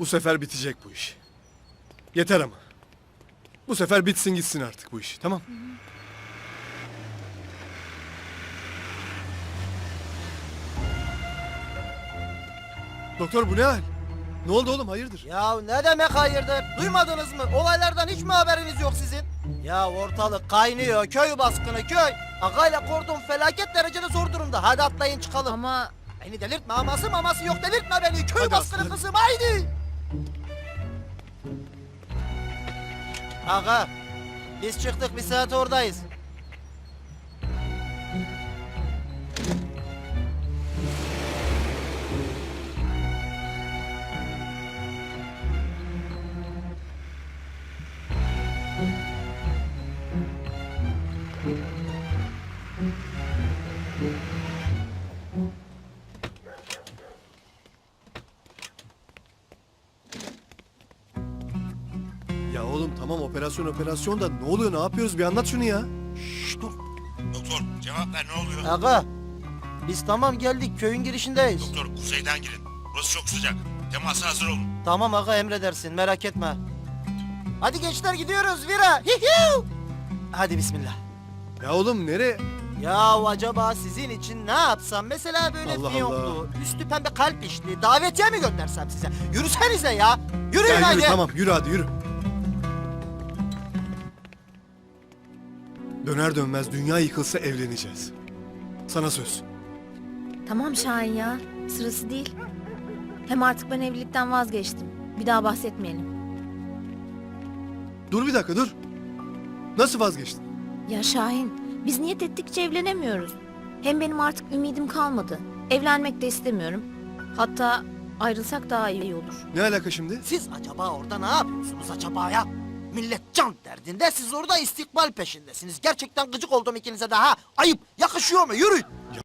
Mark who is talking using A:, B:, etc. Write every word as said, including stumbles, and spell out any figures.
A: Bu sefer bitecek bu iş. Yeter ama. Bu sefer bitsin gitsin artık bu iş, tamam? Doktor bu ne hal? Ne oldu oğlum, hayırdır?
B: Ya ne demek hayırdır? Duymadınız mı? Olaylardan hiç mi haberiniz yok sizin? Ya ortalık kaynıyor, köy baskını köy. Agayla kordon felaket derecede zor durumda. Hadi atlayın çıkalım.
C: Ama
B: Beni delirtme, aması maması yok, delirtme beni. Köy
A: Hadi
B: baskını
A: aslanım.
B: kızım, haydi. Aga, biz çıktık, bir saat oradayız.
A: Ya oğlum tamam, operasyon operasyon da ne oluyor, ne yapıyoruz, bir anlat şunu ya.
B: Şşş dur.
D: Doktor cevap ver, ne oluyor?
B: Aga, biz tamam geldik, köyün girişindeyiz.
D: Doktor kuzeyden girin. Burası çok sıcak. Temasa hazır olun.
B: Tamam aga, emredersin, merak etme. Hadi gençler gidiyoruz, vira. Hihiu. Hadi bismillah.
A: Ya oğlum nereye?
B: Ya acaba sizin için ne yapsam? Mesela böyle
A: Allah
B: fiyonklu, üstü pembe kalp işli, davetiye mi göndersem size? Yürüsenize ya. Yürüyün
A: Ya
B: hadi.
A: yürü tamam, yürü hadi yürü. Döner dönmez dünya yıkılsa evleneceğiz. Sana söz.
C: tamam Şahin ya. Sırası değil. Hem artık ben evlilikten vazgeçtim. Bir daha bahsetmeyelim.
A: Dur bir dakika dur. Nasıl vazgeçtin?
C: Ya Şahin, biz niyet ettikçe evlenemiyoruz. Hem benim artık ümidim kalmadı. Evlenmek de istemiyorum. Hatta ayrılsak daha iyi olur.
A: Ne alaka şimdi?
B: Siz acaba orada ne yapıyorsunuz acaba ya? Millet can derdinde, siz orada istikbal peşindesiniz. Gerçekten gıcık oldum ikinize de ha. Ayıp, yakışıyor mu? Yürüyün.